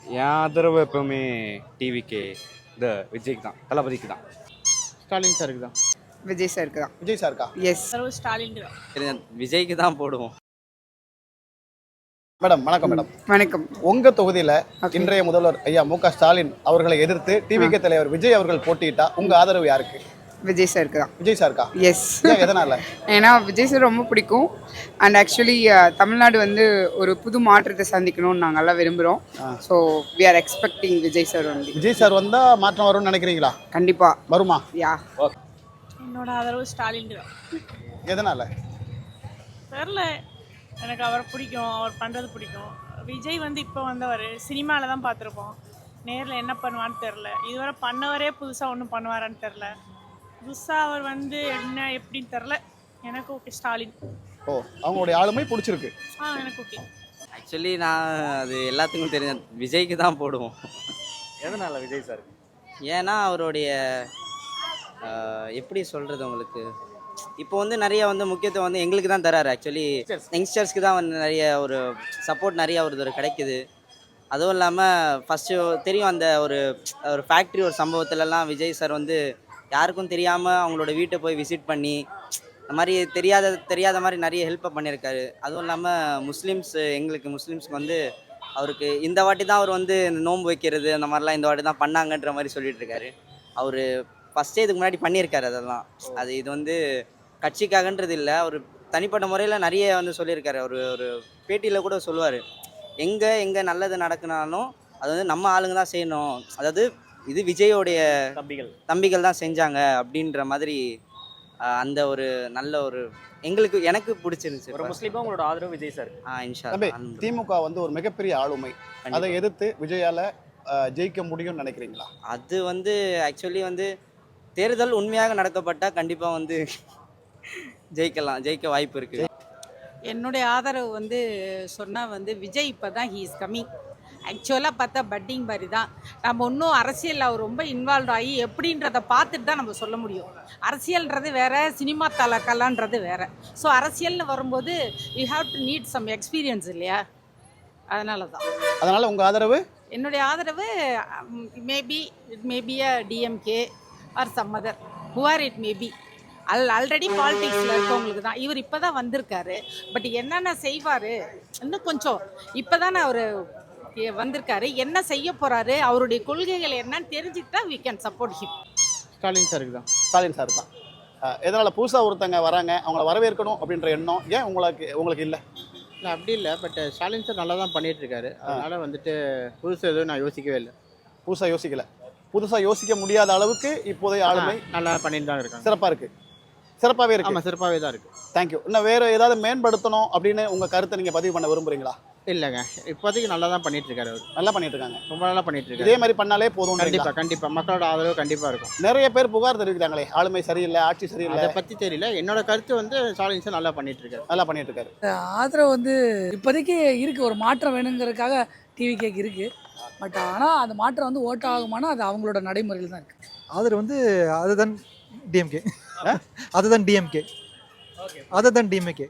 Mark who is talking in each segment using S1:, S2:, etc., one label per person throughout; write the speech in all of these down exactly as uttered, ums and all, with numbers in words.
S1: என் ஆதரவு எப்பவுமே டிவிக்கு இந்த விஜய்க்கு தான், தளபதிக்கு தான்.
S2: ஸ்டாலின் சாருக்கு தான்.
S3: விஜய் சாருக்கு தான்.
S2: விஜய் சாருக்கா?
S3: எஸ்.
S4: ஸ்டாலின்
S1: விஜய்க்கு தான் போடுவோம்.
S2: மேடம் வணக்கம். மேடம்
S3: வணக்கம்.
S2: உங்க தொகுதியில இன்றைய முதல்வர் ஐயா மு க ஸ்டாலின் அவர்களை எதிர்த்து டிவிகே தலைவர் விஜய் அவர்கள் போட்டியிட்டா உங்க ஆதரவு யாருக்கு?
S3: விஜய் சாருக்கு தான்.
S2: விஜய் சாருக்கா?
S3: எஸ்.
S2: எதனால?
S3: ஏன்னா விஜய் சார் ரொம்ப பிடிக்கும். அண்ட் ஆக்சுவலி தமிழ்நாடு வந்து ஒரு புது மாற்றத்தை சந்திக்கணும்னு நாங்கள்லாம் விரும்புகிறோம். So we are expecting Vijay sir வந்து.
S2: விஜய் சார் வந்தா மாற்றம் வரும்னு நினைக்கிறீங்களா?
S3: கண்டிப்பாக
S2: வருமா?
S3: யா.
S4: என்னோட ஆதரவு ஸ்டாலின் தான்.
S2: எதனால?
S4: தெரில, எனக்கு அவர் பிடிக்கும், அவர் பண்ணுறது பிடிக்கும். விஜய் வந்து இப்போ வந்தவர் சினிமாவில் தான் பார்த்துருப்போம். நேரில் என்ன பண்ணுவான்னு தெரில. இதுவரை பண்ணவரே புதுசாக ஒன்றும் பண்ணுவாரான்னு தெரில. புதுசாக அவர் வந்து என்ன எப்படின்னு தெரில. எனக்கு ஓகே ஸ்டாலின்.
S2: ஓ, அவங்களுடைய ஆளுமை பிடிச்சிருக்கு.
S4: ஆ எனக்கு ஓகே.
S1: ஆக்சுவலி நான் அது எல்லாத்துக்கும் தெரிஞ்ச விஜய்க்கு தான் போடுவோம்.
S2: எதனால விஜய் சார்?
S1: ஏன்னா அவருடைய எப்படி சொல்கிறது உங்களுக்கு, இப்போ வந்து நிறைய வந்து முக்கியத்துவம் வந்து எங்களுக்கு தான் தராரு. ஆக்சுவலி யங்ஸ்டர்ஸ்க்கு தான் வந்து நிறைய ஒரு சப்போர்ட் நிறைய ஒரு கிடைக்குது. அதுவும் இல்லாமல் ஃபஸ்ட்டு தெரியும் அந்த ஒரு ஒரு ஃபேக்ட்ரி ஒரு சம்பவத்துலலாம் விஜய் சார் வந்து யாருக்கும் தெரியாமல் அவங்களோட வீட்டை போய் விசிட் பண்ணி இந்த மாதிரி தெரியாத தெரியாத மாதிரி நிறைய ஹெல்ப்பை பண்ணியிருக்காரு. அதுவும் இல்லாமல் முஸ்லீம்ஸ் எங்களுக்கு முஸ்லீம்ஸ்க்கு வந்து அவருக்கு இந்த வாட்டி தான் அவர் வந்து இந்த நோன்பு வைக்கிறது அந்த மாதிரிலாம் இந்த வாட்டி தான் பண்ணாங்கன்ற மாதிரி சொல்லிட்டு இருக்காரு. அவர் ஃபஸ்ட்டே இதுக்கு முன்னாடி பண்ணியிருக்காரு அதெல்லாம். அது இது வந்து கட்சிக்காகன்றது இல்லை, அவர் தனிப்பட்ட முறையில் நிறைய வந்து சொல்லியிருக்காரு. அவர் ஒரு பேட்டியில் கூட சொல்லுவார், எங்கே எங்கே நல்லது நடக்குனாலும் அது வந்து நம்ம ஆளுங்க தான் செய்யணும், அதாவது இது விஜயோடைய தம்பிகள் தம்பிகள் தான் செஞ்சாங்க அப்படின்ற மாதிரி அந்த ஒரு நல்ல ஒரு எங்களுக்கு எனக்கு பிடிச்சிருந்துச்சு.
S5: ஒரு முஸ்லீமாக உங்களோட ஆதரவு விஜய் சார்.
S1: ஆ இன்ஷா
S2: திமுக வந்து ஒரு மிகப்பெரிய ஆளுமை, அதை எதிர்த்து விஜயால ஜெயிக்க முடியும்னு நினைக்கிறீங்களா?
S1: அது வந்து ஆக்சுவலி வந்து தேர்தல் உண்மையாக நடக்கப்பட்டால் கண்டிப்பாக வந்து ஜெயிக்கலாம், ஜெயிக்க வாய்ப்பு இருக்குது.
S6: என்னுடைய ஆதரவு வந்து சொன்னால் வந்து விஜய் இப்போ தான் ஹீ இஸ் கம்மிங். ஆக்சுவலாக பார்த்தா பட்டிங் மாதிரி தான். நம்ம இன்னும் அரசியலில் அவர் ரொம்ப இன்வால்வ் ஆகி எப்படின்றத பார்த்துட்டு தான் நம்ம சொல்ல முடியும். அரசியல்ன்றது வேறு, சினிமா தலக்கலான்றது வேறு. ஸோ அரசியல்னு வரும்போது you have to need some experience இல்லையா, அதனால தான்.
S2: அதனால் உங்கள் ஆதரவு?
S6: என்னுடைய ஆதரவு maybe it maybe a DMK or some other who are it maybe. அல் ஆல்ரெடி பாலிடிக்ஸில் இருக்கவங்களுக்கு தான். இவர் இப்போ தான் வந்திருக்காரு. பட் என்னென்ன செய்வார் இன்னும் கொஞ்சம் இப்போ தானே அவர் வந்திருக்காரு, என்ன செய்ய போகிறாரு, அவருடைய கொள்கைகள் என்னன்னு தெரிஞ்சுக்கிட்டா we can support him.
S2: Stalin சாருக்கு தான். ஸ்டாலின் சார் தான். எதனால் புதுசாக ஒருத்தங்க வராங்க, அவங்கள வரவேற்கணும் அப்படின்ற எண்ணம் ஏன் உங்களுக்கு உங்களுக்கு இல்லை?
S7: இல்லை அப்படி இல்லை, பட் ஸ்டாலின் சார் நல்லா தான் பண்ணிகிட்டு இருக்காரு. அதனால் வந்துட்டு புதுசாக எதுவும் நான் யோசிக்கவே இல்லை.
S2: புதுசாக யோசிக்கலை. புதுசாக யோசிக்க முடியாத அளவுக்கு இப்போதைய ஆளுமை
S7: நல்லா பண்ணிட்டு தான் இருக்காங்க.
S2: சிறப்பாக இருக்குது. சிறப்பாகவே இருக்குது.
S7: ஆமாம், சிறப்பாகவே தான் இருக்குது.
S2: தேங்க்யூ. இன்னும் வேறு ஏதாவது மேம்படுத்தணும் அப்படின்னு உங்கள் கருத்தை நீங்கள் பதிவு பண்ண விரும்புகிறீங்களா?
S7: இல்லைங்க, இப்போதைக்கு நல்லா தான் பண்ணிட்டு இருக்காரு. அவர் நல்லா பண்ணிட்டு இருக்காங்க, ரொம்ப நல்லா பண்ணிட்டு இருக்காரு.
S2: இதே மாதிரி பண்ணாலே போதும்.
S7: கண்டிப்பாக கண்டிப்பாக மக்களோட ஆதரவு கண்டிப்பாக இருக்கும்.
S2: நிறைய பேர் புகார் தெரிவிக்கிறாங்களே, ஆளுமை சரியில்லை, ஆட்சி சரியில்லை.
S7: அதை பற்றி தெரியல. என்னோட கருத்து வந்து ஸ்டாலின் சார் நல்லா பண்ணிட்டு இருக்காரு.
S2: நல்லா பண்ணிட்டு இருக்காரு.
S8: ஆதரவு வந்து இப்போதைக்கு இருக்குது, ஒரு மாற்றம் வேணுங்கிறதுக்காக டிவி கேக் இருக்குது. பட் ஆனால் அந்த மாற்றம் வந்து ஓட்ட ஆகுமானா அது அவங்களோட நடைமுறையில் தான் இருக்குது.
S9: ஆதரவு வந்து அதுதான் டிஎம்கே, அதுதான் டிஎம்கே, அதுதான் டிஎம்கே.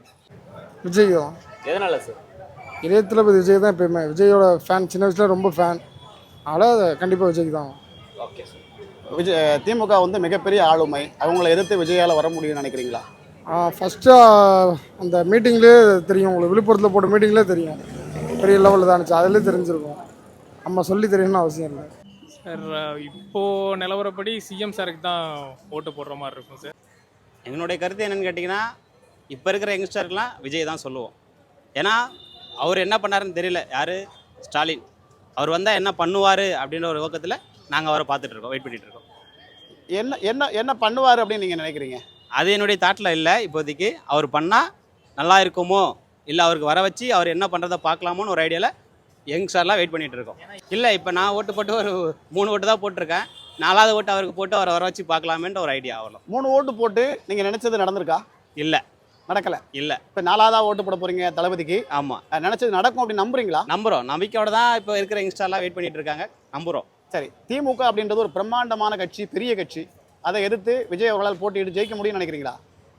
S5: விஜய் தான்.
S1: எதனால சார்?
S5: இளைய தளபதி விஜய் தான் எப்பயுமே. விஜயோட ஃபேன், சின்ன வயசில் ரொம்ப ஃபேன். அதனால் கண்டிப்பாக விஜய்க்கு தான்.
S2: Okay sir. விஜய் திமுக வந்து மிகப்பெரிய ஆளுமை, அவங்கள எதிர்த்து விஜயால் வர முடியும்னு நினைக்கிறீங்களா?
S5: ஃபஸ்ட்டு அந்த மீட்டிங்லேயே தெரியும், உங்களுக்கு விழுப்புரத்தில் போட்ட மீட்டிங்லேயே தெரியும் பெரிய லெவலில் தான் இருந்துச்சு. அதிலே தெரிஞ்சிருக்கும், நம்ம சொல்லி தெரியணும்னு அவசியம் இல்லை
S10: சார். இப்போது நிலவரப்படி சிஎம் சாருக்கு தான் ஓட்டு போடுற மாதிரி இருக்கும் சார்.
S11: என்னுடைய கருத்து என்னென்னு கேட்டிங்கன்னா, இப்போ இருக்கிற யங்ஸ்டருக்கெலாம் விஜய் தான் சொல்லுவோம். ஏன்னா அவர் என்ன பண்ணாருன்னு தெரியல. யார்? ஸ்டாலின். அவர் வந்தால் என்ன பண்ணுவார் அப்படின்ற ஒரு நோக்கத்தில் நாங்கள் அவரை பார்த்துட்ருக்கோம், வெயிட் பண்ணிகிட்ருக்கோம்.
S2: என்ன என்ன என்ன பண்ணுவார் அப்படின்னு நீங்கள் நினைக்கிறீங்க?
S11: அது என்னுடைய தாட்டில் இல்லை இப்போதைக்கு. அவர் பண்ணால் நல்லா இருக்குமோ, இல்லை அவருக்கு வர வச்சு அவர் என்ன பண்ணுறதை பார்க்கலாமோன்னு ஒரு ஐடியாவில் யங்ஸ்டர்லாம் வெயிட் பண்ணிகிட்டு இருக்கோம். இல்லை இப்போ நான் ஓட்டு போட்டு ஒரு மூணு ஓட்டு தான் போட்டிருக்கேன். நாலாவது ஓட்டு அவருக்கு போட்டு அவரை வர வச்சு பார்க்கலாமேன்ற ஒரு ஐடியா ஆகலாம்.
S2: மூணு ஓட்டு போட்டு நீங்கள் நினச்சது நடந்திருக்கா?
S11: இல்லை,
S2: நடக்கலை.
S11: இல்லை.
S2: இப்போ நாலாவதாக ஓட்டு போட போகிறீங்க தளபதிக்கு.
S11: ஆமாம்,
S2: நினச்சது நடக்கும் அப்படின்னு நம்புறீங்களா?
S11: நம்புகிறோம். நம்பிக்கையோட தான் இப்போ இருக்கிற யங்ஸ்டர்லாம் வெயிட் பண்ணிட்டு இருக்காங்க. நம்புகிறோம்.
S2: சரி, திமுக அப்படின்றது ஒரு பிரம்மாண்டமான கட்சி, பெரிய கட்சி. அதை எதிர்த்து விஜய் அவர்களால் போட்டியிட்டு ஜெயிக்க முடியும்னு நினைக்கிறீங்களா?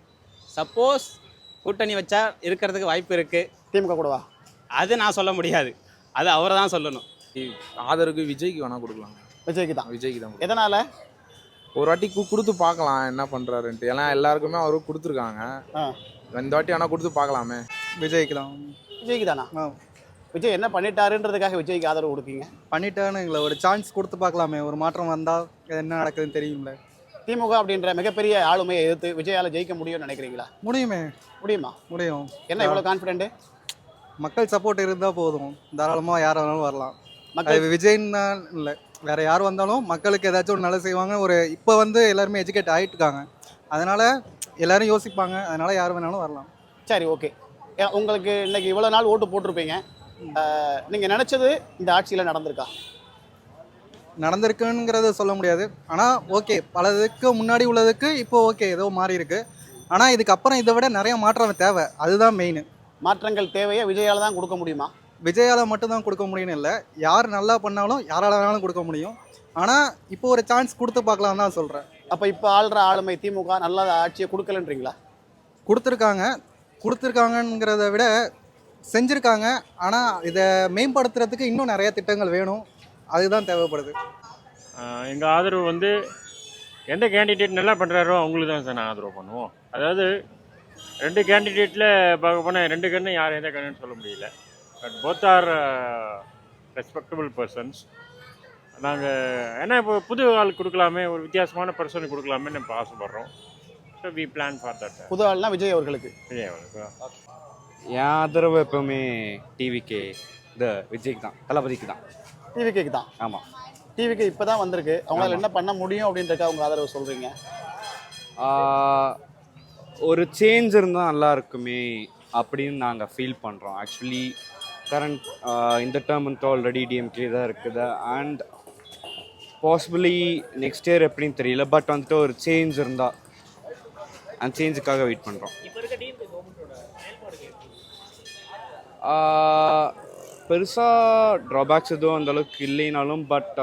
S11: சப்போஸ் கூட்டணி வச்சா இருக்கிறதுக்கு வாய்ப்பு இருக்குது.
S2: திமுக கூடவா?
S11: அது நான் சொல்ல முடியாது, அது அவரை தான் சொல்லணும்.
S10: ஆதரவுக்கு விஜய்க்கு வேணால் கொடுக்கலாம்.
S2: விஜய்க்கு தான்.
S10: விஜய்க்கு தான்.
S2: எதனால்?
S10: ஒரு வாட்டி கு கொடுத்து பார்க்கலாம் என்ன பண்ணுறாருன்ட்டு. ஏன்னா எல்லாருக்குமே அவரும் கொடுத்துருக்காங்க. இந்த வாட்டி ஆனால் கொடுத்து பார்க்கலாமே.
S9: விஜய்க்கு தான்.
S2: விஜய்க்கு தானா? விஜய் என்ன பண்ணிட்டாருன்றதுக்காக விஜய்க்கு ஆதரவு கொடுக்கீங்க?
S9: பண்ணிட்டான்னு இல்லை, ஒரு சான்ஸ் கொடுத்து பார்க்கலாமே, ஒரு மாற்றம் வந்தால் என்ன நடக்குதுன்னு தெரியும்ல.
S2: திமுக அப்படின்ற மிகப்பெரிய ஆளுமையை எதிர்த்து விஜயால ஜெயிக்க முடியும்னு நினைக்கிறீங்களா?
S9: முடியுமே.
S2: முடியுமா?
S9: முடியும்.
S2: என்ன இவ்வளோ கான்ஃபிடென்ட்?
S9: மக்கள் சப்போர்ட் இருந்தால் போதும், தாராளமாக யார் வேணாலும் வரலாம்.
S2: மக்கள்
S9: அது விஜய்னா இல்லை, வேற யார் வந்தாலும் மக்களுக்கு ஏதாச்சும் ஒரு நல்லது செய்வாங்க. ஒரு இப்போ வந்து எல்லாருமே எஜுகேட் ஆகிட்டு இருக்காங்க, அதனால எல்லாரும் யோசிப்பாங்க, அதனால யார் வேணாலும் வரலாம்.
S2: சரி, ஓகே. உங்களுக்கு இன்னைக்கு இவ்வளோ நாள் ஓட்டு போட்டிருப்பீங்க, நீங்கள் நினச்சது இந்த ஆட்சியில் நடந்திருக்கா?
S9: நடந்திருக்குங்கிறத சொல்ல முடியாது, ஆனால் ஓகே, பலதுக்கு முன்னாடி உள்ளதுக்கு இப்போ ஓகே ஏதோ மாறி இருக்கு. ஆனால் இதுக்கப்புறம் இதை விட நிறைய மாற்றம் தேவை, அதுதான் மெயின்.
S2: மாற்றங்கள் தேவையை விஜயால தான் கொடுக்க முடியுமா?
S9: விஜயால மட்டும்தான் கொடுக்க முடியும்னு இல்லை, யார் நல்லா பண்ணாலும் யாரால வேணாலும் கொடுக்க முடியும். ஆனால் இப்போ ஒரு சான்ஸ் கொடுத்து பார்க்கலாம் தான் சொல்கிறேன்.
S2: அப்போ இப்போ ஆள்ற ஆளுமை திமுக நல்ல ஆட்சியை கொடுக்கலன்றீங்களா?
S9: கொடுத்துருக்காங்க. கொடுத்துருக்காங்கங்கிறத விட செஞ்சுருக்காங்க, ஆனால் இதை மேம்படுத்துறதுக்கு இன்னும் நிறைய திட்டங்கள் வேணும், அதுதான் தேவைப்படுது.
S12: எங்கள் ஆதரவு வந்து எந்த கேண்டிடேட் நல்லா பண்ணுறாரோ அவங்களுக்கு தான் சார் நான் ஆதரவு பண்ணுவோம். அதாவது ரெண்டு கேண்டிடேட்டில் பார்க்க போனால் ரெண்டு கண்ணு யார் எந்த கண்ணுன்னு சொல்ல முடியல. But both are respectable persons. நாங்கள் ஏன்னா இப்போ புது ஆள் கொடுக்கலாமே, ஒரு வித்தியாசமான பர்சனுக்கு கொடுக்கலாமே நம்ம ஆசைப்படுறோம். So we plan for that.
S2: புது ஆள்னா விஜய் அவர்களுக்கு.
S12: விஜய் அவர்களுக்கு
S13: என் ஆதரவு எப்பவுமே டிவிக்கு இந்த விஜய்க்கு தான், தளபதிக்கு தான்.
S2: டிவிக்கு தான்?
S13: ஆமாம்.
S2: டிவிக்கு இப்போ தான் வந்திருக்கு, அவங்களால என்ன பண்ண முடியும் அப்படின்றக்க அவங்க ஆதரவு சொல்கிறீங்க?
S13: ஒரு சேஞ்ச் இருந்தால் நல்லா இருக்குமே அப்படின்னு நாங்கள் ஃபீல் பண்ணுறோம். ஆக்சுவலி கரண்ட் இந்த டேர்ம் வந்து ஆல்ரெடி டிஎம்கே தான் இருக்குது, அண்ட் பாசிபிளி நெக்ஸ்ட் இயர் எப்படின்னு தெரியல, பட் வந்துட்டு ஒரு சேஞ்ச் இருந்தால் அந்த சேஞ்சுக்காக வெயிட் பண்ணுறோம். பெருசாக ட்ராபேக்ஸ் எதுவும் அந்தளவுக்கு இல்லைனாலும், பட்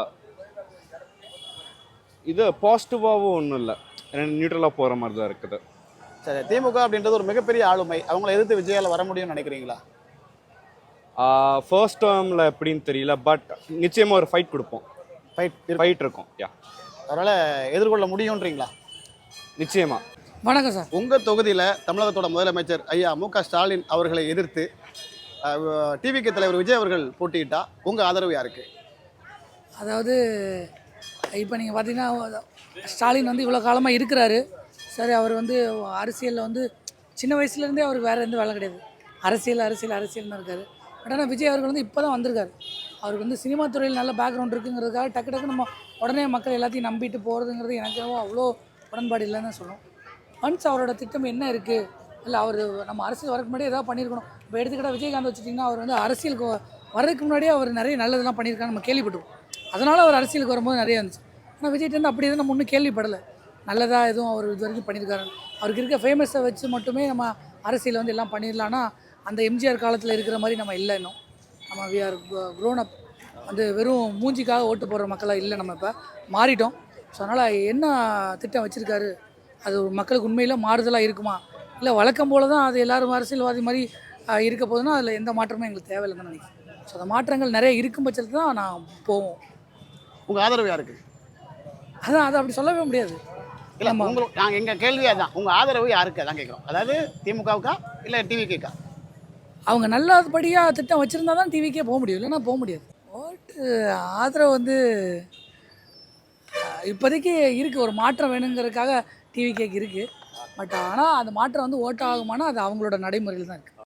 S13: இது பாசிட்டிவாகவும் ஒன்றும் இல்லை, ரெண்டு நியூட்ரலாக போகிற மாதிரி தான் இருக்குது.
S2: சரி, திமுக அப்படின்றது ஒரு மிகப்பெரிய ஆளுமை, அவங்கள எதிர்த்து விஜயால வர முடியும்னு நினைக்கிறீங்களா?
S13: ஃபர்ஸ்ட் டேர்மில் எப்படின்னு தெரியல, பட் நிச்சயமாக ஒரு ஃபைட் கொடுப்போம்.
S2: ஃபைட்
S13: ஃபைட் இருக்கும். யா,
S2: அதனால் எதிர்கொள்ள முடியும்ன்றீங்களா?
S13: நிச்சயமாக.
S8: வணக்கம் சார்.
S2: உங்கள் தொகுதியில் தமிழகத்தோட முதலமைச்சர் ஐயா மு க ஸ்டாலின் அவர்களை எதிர்த்து டிவிகே தலைவர் விஜய் அவர்கள் போட்டியிட்டா உங்கள் ஆதரவு யாருக்கு?
S8: அதாவது இப்போ நீங்கள் பார்த்தீங்கன்னா ஸ்டாலின் வந்து இவ்வளோ காலமாக இருக்கிறாரு. சரி, அவர் வந்து அரசியலில் வந்து சின்ன வயசுலேருந்தே அவருக்கு வேறு எந்த வேலை கிடையாது, அரசியல் அரசியல் அரசியல்னு இருக்கார். பட் ஆனால் விஜய் அவர்கள் வந்து இப்போ தான் வந்திருக்காரு. அவருக்கு வந்து சினிமா துறையில் நல்ல பேக்ரவுண்ட் இருக்குங்கிறதுக்காக டக்கு டக்கு நம்ம உடனே மக்கள் எல்லாத்தையும் நம்பிட்டு போகிறதுங்கிறது எனக்கு அவ்வளோ உடன்பாடு இல்லைன்னு தான் சொல்லணும். ஒன்ஸ் அவரோட திட்டம் என்ன இருக்குது, இல்லை அவர் நம்ம அரசியல் வரக்கு முன்னாடி ஏதாவது பண்ணியிருக்கணும். இப்போ எடுத்துக்கிட்டால் விஜயகாந்த் வச்சுட்டிங்கன்னா அவர் வந்து அரசியலுக்கு வர்றதுக்கு முன்னாடியே அவர் நிறைய நல்லதெல்லாம் பண்ணியிருக்காங்க, நம்ம கேள்விப்பட்டிருக்கோம். அதனால் அவர் அரசியலுக்கு வரும்போது நிறைய இருந்துச்சு. ஆனால் விஜய்கிட்ட அப்படி எதுவும் நம்ம ஒன்றும் கேள்விப்படலை, நல்லதாக எதுவும் அவர் இது வரைக்கும் பண்ணியிருக்காரு. அவருக்கு இருக்க ஃபேமஸை வச்சு மட்டுமே நம்ம அரசியல் வந்து எல்லாம் பண்ணிடலான்னா அந்த எம்ஜிஆர் காலத்தில் இருக்கிற மாதிரி நம்ம இல்லை. இன்னும் நம்ம வி ஆர் க்ரோன் அப், வந்து வெறும் மூஞ்சிக்காக ஓட்டு போடுற மக்களாக இல்லை, நம்ம இப்போ மாறிட்டோம். ஸோ அதனால் என்ன திட்டம் வச்சுருக்காரு, அது மக்களுக்கு உண்மையில் மாறுதலாக இருக்குமா, இல்லை வழக்கம் போல தான் அது எல்லோரும் அரசியல்வாதி மாதிரி இருக்க போதுன்னா அதில் எந்த மாற்றமும் எங்களுக்கு தேவையில்லைன்னு நினைக்கிறேன். ஸோ அந்த மாற்றங்கள் நிறைய இருக்கும் பட்சத்தில் தான் நான் போவோம்.
S2: உங்கள் ஆதரவு யாருக்கு?
S8: அதான் அதை அப்படி சொல்லவே முடியாது.
S2: இல்லை, உங்களுக்கு நாங்கள் எங்கள் கேள்வியாக தான் உங்கள் ஆதரவு யாருக்கு தான் கேட்குறோம். அதாவது திமுகவுக்கா இல்லை டிவிக்கேக்கா?
S8: அவங்க நல்லபடியாக திட்டம் வச்சுருந்தா தான் டிவிக்கே போக முடியும், இல்லைன்னா போக முடியாது. ஓட்டு ஆதரவு வந்து இப்போதைக்கு இருக்குது, ஒரு மாற்றம் வேணுங்கிறதுக்காக டிவிக்கேக்கு இருக்குது. பட் ஆனால் அந்த மாற்றம் வந்து ஓட்டு ஆகுமானா அது அவங்களோட நடைமுறையில் தான் இருக்குது.